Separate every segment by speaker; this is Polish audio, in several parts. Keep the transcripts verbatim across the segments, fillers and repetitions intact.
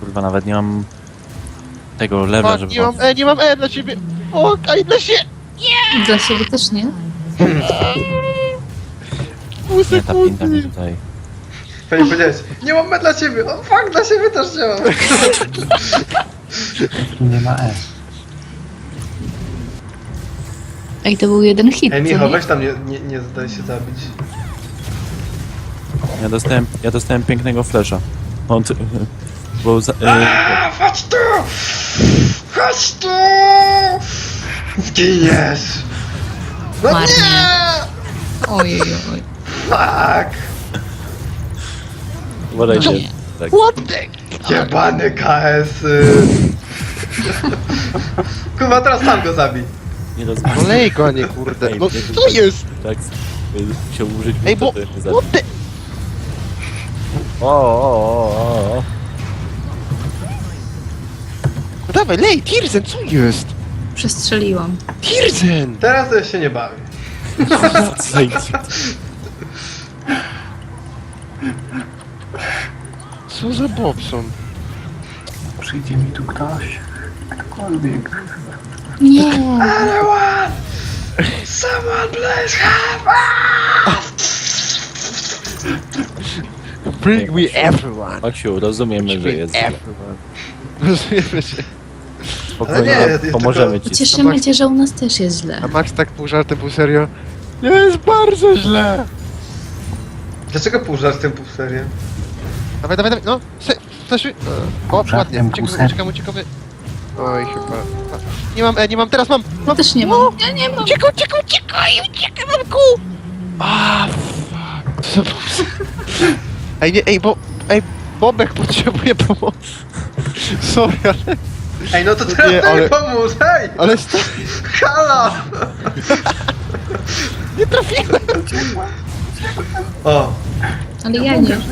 Speaker 1: kurwa, nawet nie mam tego lewla, żeby...
Speaker 2: Nie mam E, nie mam E dla ciebie! O, kaj dla się!
Speaker 3: Dla siebie też nie.
Speaker 2: Pół
Speaker 1: Nie, ta pinta mi
Speaker 2: sekundy!
Speaker 1: tutaj...
Speaker 4: Fajnie powiedziałeś, nie mam E dla siebie, o fuck, dla siebie też nie mam.
Speaker 5: Nie ma E.
Speaker 3: Ej, to był jeden hit,
Speaker 4: Ej,
Speaker 3: co
Speaker 4: Michał,
Speaker 3: nie?
Speaker 4: weź tam, nie, nie, nie daj się zabić.
Speaker 1: Ja dostałem, ja dostałem pięknego flesza. On... Ty, bo za, e,
Speaker 4: Aaa, chodź tu! Chodź tu! Zginiesz! No
Speaker 3: Marnie.
Speaker 4: nie!
Speaker 3: Ojej, oj.
Speaker 4: Fuck!
Speaker 1: uważajcie.
Speaker 3: Nie.
Speaker 1: Tak.
Speaker 2: What the...
Speaker 4: Jebany K S y. Kurwa, teraz sam go zabij.
Speaker 1: Nie rozmawiam.
Speaker 2: Olej go, a nie kurde.
Speaker 1: Ej,
Speaker 2: No
Speaker 1: nie,
Speaker 2: co jest?
Speaker 1: Tak, y, musiał użyć...
Speaker 2: Ej, bo...
Speaker 1: to mnie
Speaker 2: What the...
Speaker 1: O, o, o, o.
Speaker 2: No dawaj, lej, Tirzen, co jest?
Speaker 3: Przestrzeliłam.
Speaker 2: Tirzen!
Speaker 4: Teraz ja się nie bawię.
Speaker 2: Co za Bobson?
Speaker 5: Przyjdzie mi tu ktoś. Ktokolwiek.
Speaker 3: Nie.
Speaker 4: Anyone! Someone please help!
Speaker 2: Bring me everyone!
Speaker 1: Maksiu, rozumiemy, że jest źle.
Speaker 2: Everyone. Rozumiemy się.
Speaker 1: Spokojnie,
Speaker 4: Ale nie, jest
Speaker 1: pomożemy
Speaker 4: tylko-
Speaker 1: ci.
Speaker 3: Cieszymy cię, że u nas też jest źle.
Speaker 2: A Max tak pół żartem, pół serio? Jest bardzo źle!
Speaker 4: Dlaczego pół żartem, pół serio?
Speaker 2: Dawaj, dawaj, dawaj, no! Se, fleszuj! O, ładnie,
Speaker 5: Żartem, pół
Speaker 2: uciekamy,
Speaker 5: serio.
Speaker 2: uciekamy, uciekamy. Oj, chyba... Nie mam E, nie mam, teraz mam! mam.
Speaker 3: Też nie mam. Ja nie mam.
Speaker 2: Uciekaj, uciekaj, uciekaj, uciekaj, mamku! A, fuck. Co to za- Ej, nie, ej, bo... Ej, Bobek potrzebuje pomocy. Sorry, ale...
Speaker 4: Ej, no to teraz
Speaker 2: Nie,
Speaker 4: daj
Speaker 2: ale-
Speaker 4: pomóż, hej!
Speaker 2: Ale sta...
Speaker 4: Halo!
Speaker 2: Nie trafiłem!
Speaker 4: O,
Speaker 3: Ale ja nie. Kurde.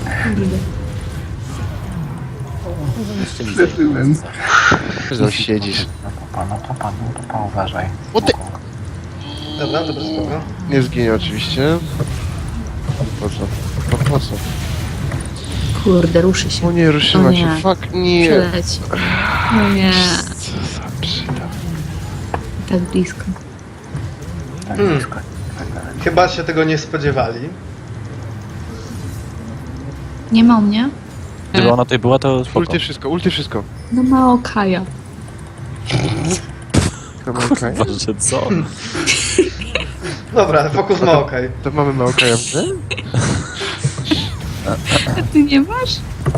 Speaker 5: Przeżyłem.
Speaker 2: Że siedzisz.
Speaker 5: No popa, no popa, no popa, uważaj.
Speaker 2: O ty-
Speaker 4: dobra, dobra, spoko.
Speaker 2: Nie zginie oczywiście. Po co? Po, po co?
Speaker 3: Kurde, ruszy się.
Speaker 2: O nie, ruszyła
Speaker 3: O nie.
Speaker 2: się. Fuck, nie.
Speaker 3: Przeleci. No nie.
Speaker 2: Co za przyda.
Speaker 3: Tak blisko.
Speaker 5: Tak
Speaker 4: Hmm.
Speaker 5: blisko. Tak dalej.
Speaker 4: Chyba się tego nie spodziewali.
Speaker 3: Nie ma u mnie?
Speaker 1: Gdyby ona tutaj była, to spoko.
Speaker 2: Ulty wszystko, ulty wszystko.
Speaker 3: No ma Okaja.
Speaker 2: Chyba okej.
Speaker 1: Kurwa, że co?
Speaker 4: Dobra, fokus ma okej.
Speaker 2: To mamy Maokaja, nie?
Speaker 3: A ty nie masz?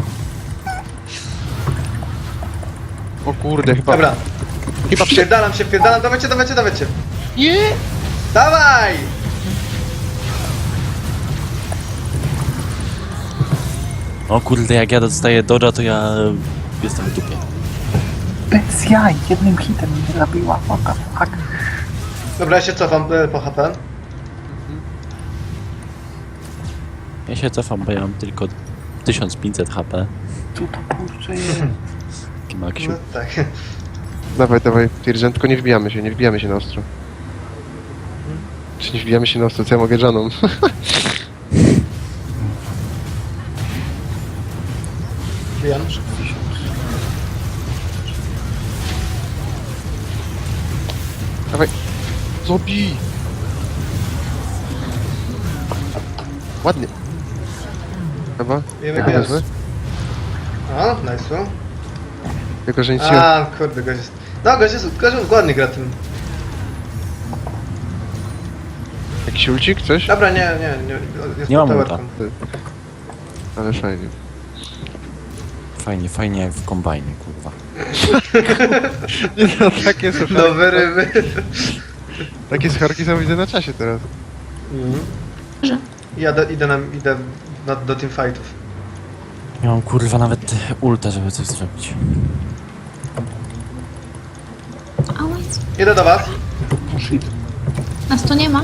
Speaker 2: O kurde, chyba...
Speaker 4: Dobra,
Speaker 2: Chyba przy...
Speaker 4: wpierdalam się, wpierdalam, dawajcie, dawajcie, dawajcie.
Speaker 2: Nie!
Speaker 4: Dawaj!
Speaker 1: O kurde, jak ja dostaję dodża, to ja jestem w dupie.
Speaker 5: Bez jaj, jednym hitem mnie zabiła, what the fuck.
Speaker 4: Dobra, ja się cofam e, po H P.
Speaker 1: Ja się cofam, bo ja mam tylko tysiąc pięćset H P.
Speaker 5: Tu to kurczę jest.
Speaker 1: Taki Maksiu.
Speaker 4: No tak.
Speaker 2: Dawaj, dawaj, Tirzen, tylko nie wbijamy się, nie wbijamy się na ostro. Czy nie wbijamy się na ostro, co ja mogę Janą?
Speaker 4: Wiem.
Speaker 2: Dawaj. Zobi! Ładnie. Chyba?
Speaker 4: Wiemy,
Speaker 2: Jako
Speaker 4: wiemy.
Speaker 2: wezmę?
Speaker 4: O, nice.
Speaker 2: Jako, że nic nie...
Speaker 4: A, kurde, gość jest... No, gość jest, gość jest ładnie gra tym.
Speaker 2: Jakiś ulcik, coś?
Speaker 4: Dobra, nie, nie, nie. Jest
Speaker 1: Nie mam
Speaker 4: powerką.
Speaker 1: ulta.
Speaker 2: Ale fajnie.
Speaker 1: Fajnie, fajnie jak w kombajnie, kurwa.
Speaker 2: Nie no, takie są
Speaker 4: Nowe ryby.
Speaker 2: Takie scharki są widzę na czasie teraz.
Speaker 4: Mhm.
Speaker 3: Że?
Speaker 4: Ja do, idę, na, idę na, do teamfightów.
Speaker 1: Nie mam kurwa nawet ulta, żeby coś zrobić.
Speaker 3: Ałaj.
Speaker 4: Idę do was.
Speaker 5: Shit.
Speaker 3: Nas tu nie ma.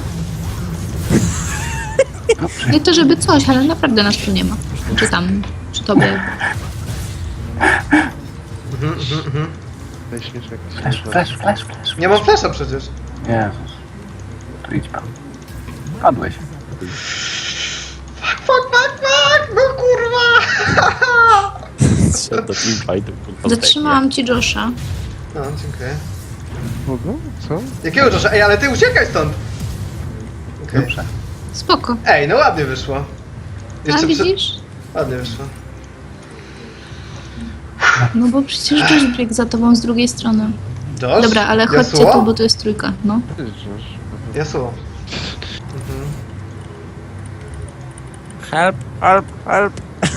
Speaker 5: Dobrze.
Speaker 3: Nie to żeby coś, ale naprawdę nas tu nie ma. Czy tam, czy tobie.
Speaker 4: Mhm, mhm, mhm.
Speaker 2: Daj śmieszek.
Speaker 5: Flash, flash, flash, flash.
Speaker 4: Nie mam flasha przecież.
Speaker 5: Jezus. Tu idź pan. Padłeś.
Speaker 4: Fuck, fuck, fuck, fuck! No kurwa!
Speaker 1: Szedł do teamfightu, kurwa.
Speaker 3: Zatrzymałam ci Josha.
Speaker 4: No, dziękuję.
Speaker 2: Kogo? Co?
Speaker 4: Jakiego Josha? Ej, ale ty uciekaj stąd! Okej.
Speaker 5: Dobrze.
Speaker 3: Spoko.
Speaker 4: Ej, no ładnie wyszło.
Speaker 3: A
Speaker 4: Jeszcze przy...
Speaker 3: widzisz?
Speaker 4: Ładnie wyszło.
Speaker 3: No bo przecież Josh biegł za tobą z drugiej strony.
Speaker 4: Josh?
Speaker 3: Dobra, ale chodźcie
Speaker 4: Yasuo?
Speaker 3: tu, bo to jest trójka, no.
Speaker 4: Yasuo. Mhm.
Speaker 1: Help, help, help.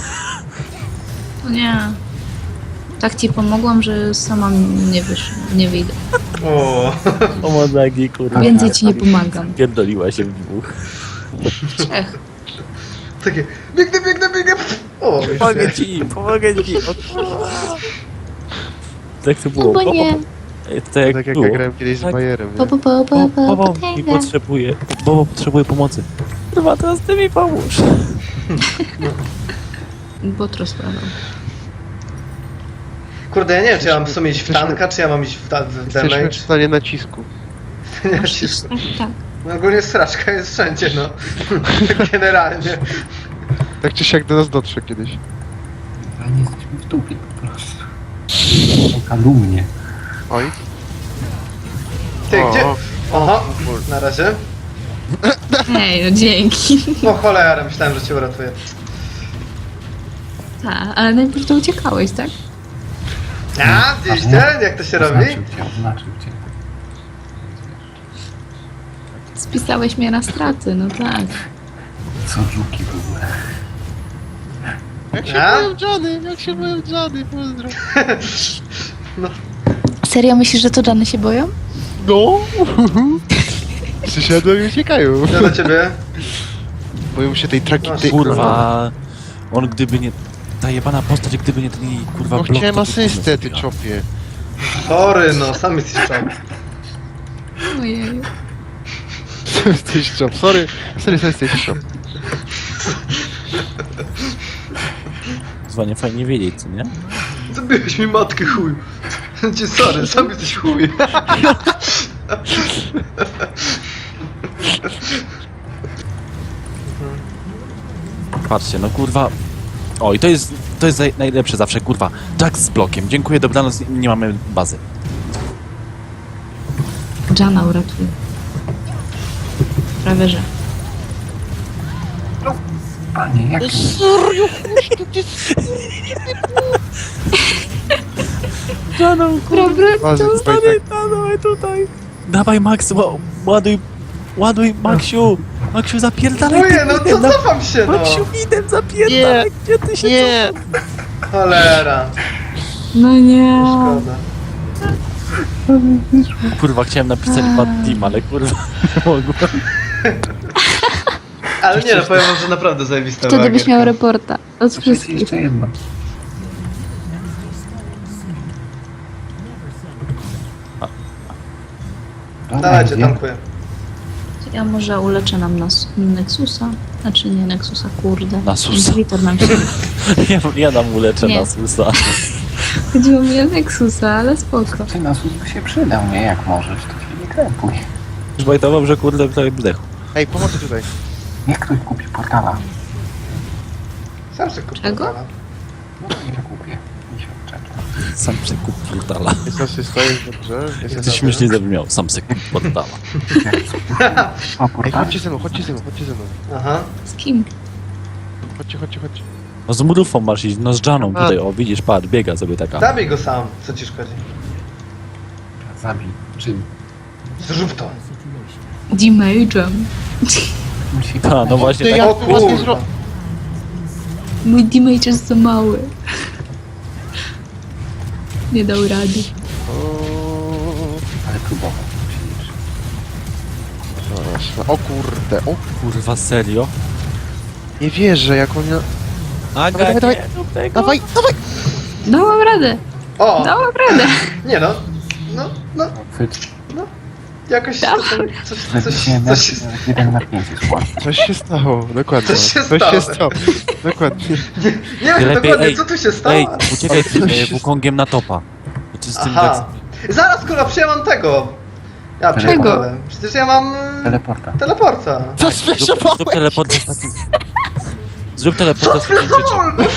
Speaker 3: O nie. Tak ci pomogłam, że sama nie wysz, nie wyjdę.
Speaker 4: O.
Speaker 1: O modagi, kurwa.
Speaker 3: Więcej ci nie pomagam.
Speaker 1: Pierdoliła się w dwóch.
Speaker 3: Trzech.
Speaker 4: Takie, biegnę, biegnę, biegnę. O,
Speaker 1: Pomogę ci, pomogę ci. O, kurwa. Tak to było.
Speaker 3: No bo nie.
Speaker 1: Ej, to jak
Speaker 2: Tak jak
Speaker 1: było.
Speaker 2: ja grałem kiedyś z
Speaker 1: Tak.
Speaker 2: Bajerem,
Speaker 3: Po,
Speaker 2: nie?
Speaker 3: po, po, po,
Speaker 1: Bo,
Speaker 3: po,
Speaker 1: Bobo mi
Speaker 3: potęga.
Speaker 1: potrzebuje, Bobo potrzebuje pomocy. Kurwa, teraz ty mi pomóż.
Speaker 3: Bot rozprawał.
Speaker 4: Kurde, ja nie wiem, czy ja mam w sumie iść w tanka, czy ja mam iść w, da- w
Speaker 2: Jesteśmy
Speaker 4: damage.
Speaker 2: w stanie nacisku.
Speaker 4: Nie,
Speaker 3: Musisz,
Speaker 4: cisko.
Speaker 3: tak, tak.
Speaker 4: No ogólnie sraczka jest wszędzie, no. Generalnie.
Speaker 2: Tak czy siak do nas dotrze kiedyś.
Speaker 5: Ale nie jesteśmy w dupie po prostu. To kalumnie.
Speaker 2: Oj.
Speaker 4: Ty,
Speaker 2: O,
Speaker 4: gdzie?
Speaker 2: o.
Speaker 4: Oho, na razie.
Speaker 3: Ej, no dzięki.
Speaker 4: O cholera, myślałem, że cię uratuję.
Speaker 3: Tak, ale najpierw to uciekałeś, tak?
Speaker 4: A, widzieliście? Jak to się robi?
Speaker 5: Oznaczył cię, oznaczył cię.
Speaker 3: Spisałeś mnie na straty, no tak.
Speaker 5: Co żuki w ogóle.
Speaker 2: Jak się
Speaker 4: A?
Speaker 2: mają Johnny, jak się mają Johnny, pozdro.
Speaker 3: Serio myślisz, że to Johnny się boją?
Speaker 2: No! Przysiadłem i uciekają.
Speaker 4: Co do ciebie?
Speaker 2: Boją się tej traki...
Speaker 4: No,
Speaker 2: tej-
Speaker 1: Kurwa, on gdyby nie... Ta jebana postać, gdyby nie ten jej kurwa
Speaker 2: No
Speaker 1: blok,
Speaker 2: chciałem
Speaker 1: to
Speaker 2: asystę, ty
Speaker 1: kurwa.
Speaker 2: czopie.
Speaker 4: Sorry, no, sam jesteś czop.
Speaker 3: Ojej.
Speaker 2: Jesteś czop, sorry. Sorry, sorry, jesteś czop.
Speaker 1: Kurwa, nie fajnie wiedzieć, co nie?
Speaker 4: Zabiłeś mi matkę, chuj. Cię sorry, sam jesteś chuj.
Speaker 1: Patrzcie, no kurwa... O, i to jest, to jest naj- najlepsze zawsze, kurwa. Jack z blokiem. Dziękuję, dobranoc, nie mamy bazy.
Speaker 3: Jana uratuje. Prawie, że.
Speaker 5: Panie, jak...
Speaker 1: Janą,
Speaker 3: Dobra,
Speaker 2: Bazy,
Speaker 3: to...
Speaker 2: tutaj tak.
Speaker 1: dawaj tutaj. Dawaj, Max, ła- ładuj, ładuj, Maxiu. Maxiu, zapierdalaj.
Speaker 4: Chuję, no
Speaker 1: tym
Speaker 4: to
Speaker 1: idem,
Speaker 4: cofam się, no.
Speaker 1: Maxiu, idem, zapierdalaj. Gdzie ty się
Speaker 2: Nie!
Speaker 4: Cholera.
Speaker 3: No nie.
Speaker 4: Szkoda.
Speaker 1: Kurwa, chciałem napisać bad team, ale kurwa nie mogłem.
Speaker 4: Ale nie, no powiem wam, że naprawdę zajebista
Speaker 3: Wtedy
Speaker 4: była
Speaker 3: byś miał
Speaker 4: gierka.
Speaker 3: reporta. Od
Speaker 5: Jest
Speaker 3: wszystkich.
Speaker 5: jeszcze jedno. Dobra,
Speaker 4: Dawajcie,
Speaker 5: idzie.
Speaker 4: tankuję.
Speaker 3: Ja może uleczę nam nas Nexusa. Znaczy nie Nexusa, kurde.
Speaker 1: Nasusa.
Speaker 3: Inhibitor nam się...
Speaker 1: Ja, ja nam uleczę
Speaker 3: Nie.
Speaker 1: na susa.
Speaker 3: Chodziło mi o Nexusa, ale spoko.
Speaker 5: Ty na sus by się przydał, nie? Jak możesz, to się nie krępuj.
Speaker 1: Już bajtował, że kurde prawie zdechł.
Speaker 2: Ej, pomocy tutaj.
Speaker 5: Niech ktoś kupi portala.
Speaker 4: Sam sobie kupię.
Speaker 3: Czego?
Speaker 4: portala.
Speaker 5: No to nie kupię. Nie się odczepia.
Speaker 1: Sam se kup portala.
Speaker 2: Jest asysta, jest dobrze. Jest
Speaker 1: To
Speaker 2: asysta.
Speaker 1: śmiesznie zabrzmiał, sam se kup portala.
Speaker 5: Ma
Speaker 2: Ej,
Speaker 5: portal?
Speaker 2: chodźcie ze mną, chodźcie ze mną, chodźcie ze mną.
Speaker 4: Aha.
Speaker 3: Z kim?
Speaker 2: Chodźcie, chodźcie, chodźcie.
Speaker 1: No z mrówą masz iść, no z Janą
Speaker 2: A.
Speaker 1: tutaj, o widzisz, patrz, biega sobie taka.
Speaker 4: Zabij go sam, co ci szkodzi.
Speaker 5: Zabij. Czym?
Speaker 4: Zrób to.
Speaker 3: Damage'em.
Speaker 5: Musi
Speaker 1: Ta, no właśnie
Speaker 2: Ty,
Speaker 1: tak.
Speaker 2: ja
Speaker 4: O
Speaker 2: tu was nie
Speaker 4: kurwa.
Speaker 2: zrobię.
Speaker 3: Mój damage jest za mały. Nie dał rady.
Speaker 5: Ale próbował. Musi liczyć.
Speaker 2: O kurde, o
Speaker 1: Kurwa, serio?
Speaker 2: nie wierzę, jak on... ja-
Speaker 1: Aga,
Speaker 2: Dawaj, dawaj,
Speaker 1: nie rób tego.
Speaker 2: Dawaj, dawaj!
Speaker 3: Dałam radę.
Speaker 4: O!
Speaker 3: Dałam radę.
Speaker 4: Nie no. No, no,
Speaker 5: Fyt.
Speaker 4: jakoś
Speaker 3: Dawaj.
Speaker 4: to, coś, coś,
Speaker 5: Wypuściłem
Speaker 4: coś, coś,
Speaker 5: jeden na pięć jest łatwo.
Speaker 2: Coś się stało, dokładnie.
Speaker 4: Coś się
Speaker 2: Coś się
Speaker 4: stało.
Speaker 2: stało. Dokładnie.
Speaker 4: nie wiem
Speaker 1: Lepiej,
Speaker 4: dokładnie
Speaker 1: ej,
Speaker 4: co tu się stało.
Speaker 1: Ej, uciekaj z tym e, Wukongiem na topa. Czy z tym
Speaker 4: Aha. Zaraz kurwa, przecież ja mam tego. Ja
Speaker 5: Czego?
Speaker 4: pierdolę. Przecież ja mam... mm,
Speaker 5: Teleporta.
Speaker 4: Teleporta.
Speaker 2: Co
Speaker 1: Zrób, zrób teleport jest taki... Zrób teleport, swoim życiem.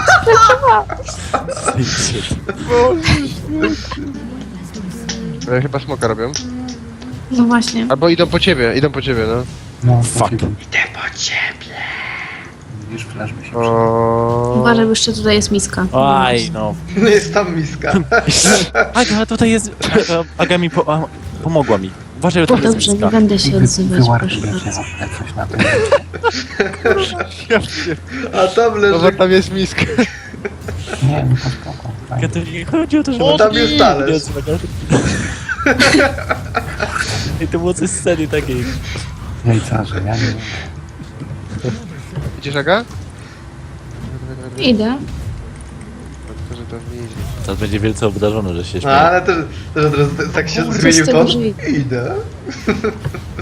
Speaker 2: E, Chyba smoka robią.
Speaker 3: No właśnie.
Speaker 2: Albo idą po ciebie, idą po ciebie, no.
Speaker 5: No,
Speaker 1: Fuck.
Speaker 5: takiego.
Speaker 4: Idę po ciebie.
Speaker 5: Widzisz, flash by się przyda.
Speaker 2: O...
Speaker 3: Uważaj, bo jeszcze tutaj jest miska.
Speaker 1: Aj, no.
Speaker 4: Nie jest tam miska.
Speaker 1: Aga, tutaj jest... Aga, Aga mi po, a, pomogła mi. Uważaj, bo tam jest
Speaker 3: Dobrze, nie
Speaker 1: miska.
Speaker 3: będę się
Speaker 5: Wy,
Speaker 3: odzywać,
Speaker 5: wyłarki
Speaker 3: proszę
Speaker 5: będzie
Speaker 3: bardzo.
Speaker 5: jak coś na tym.
Speaker 4: A tam
Speaker 2: No bo
Speaker 4: leży...
Speaker 2: tam jest miska.
Speaker 5: Nie, no to spoko.
Speaker 1: Aga,
Speaker 5: Fajnie.
Speaker 1: to nie chodzi o to, że...
Speaker 4: Bo tam jest talerz.
Speaker 1: I to było coś z sceny takiej.
Speaker 5: Jajcarze, ja nie wiem.
Speaker 2: Idziesz, Aga?
Speaker 3: Idę.
Speaker 2: To, że to nie idzie.
Speaker 1: Teraz będzie wielce obdarzony, że się
Speaker 4: No
Speaker 1: śmieje.
Speaker 4: ale też, też od razu tak się
Speaker 3: Kurde,
Speaker 4: zmienił
Speaker 3: z tego
Speaker 4: ton.
Speaker 3: drzwi.
Speaker 4: Idę.